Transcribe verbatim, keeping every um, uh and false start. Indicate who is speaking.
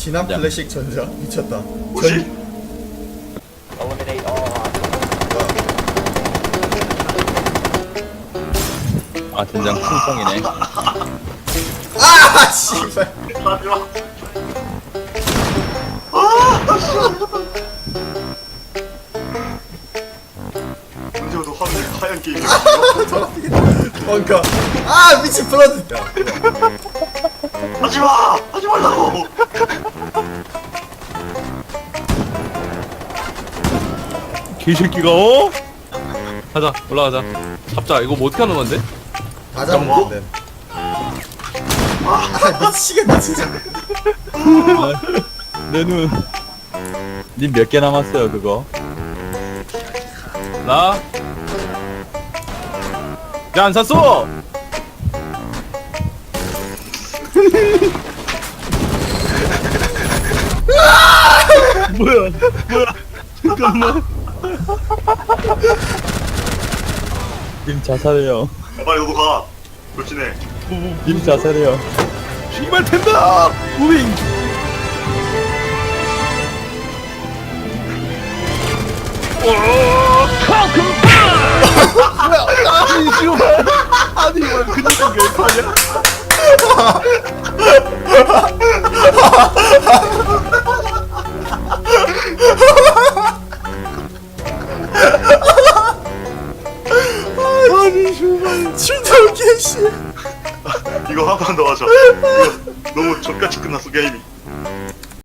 Speaker 1: 진한
Speaker 2: 야.
Speaker 1: 플래식 전자 미쳤다.
Speaker 3: 뭐지?
Speaker 4: Eliminate all hostiles.
Speaker 2: 아 된장 풍성이네.
Speaker 1: 아 씨발.
Speaker 3: 하지마. 언제부터 하늘에 하얀 게임이
Speaker 1: 뭔가 아 미친 블러드. 야,
Speaker 3: 하지마! 하지 말라고!
Speaker 5: 개새끼가 어? 가자 올라가자. 잡자. 이거 뭐 어떻게 하는 건데?
Speaker 1: 다 잡으면 돼. 아 미치겠네 진짜.
Speaker 2: 내 눈. 님 몇 개 남았어요 그거?
Speaker 5: 나. 야 안 샀어. 뭐야? 뭐야? 잠깐만.
Speaker 2: 님 자살해요.
Speaker 3: 야, 빨리 너도 가! 돌진해.
Speaker 2: 님 자살해요.
Speaker 5: 씨발 텐다. 무빙. 아니 지금 아니 이거 그냥 왜 하냐?
Speaker 1: 아니 정말 진짜 개씨.
Speaker 3: 이거 한 판 더 하자. 이거 너무 족같이 끝났어, 게임이.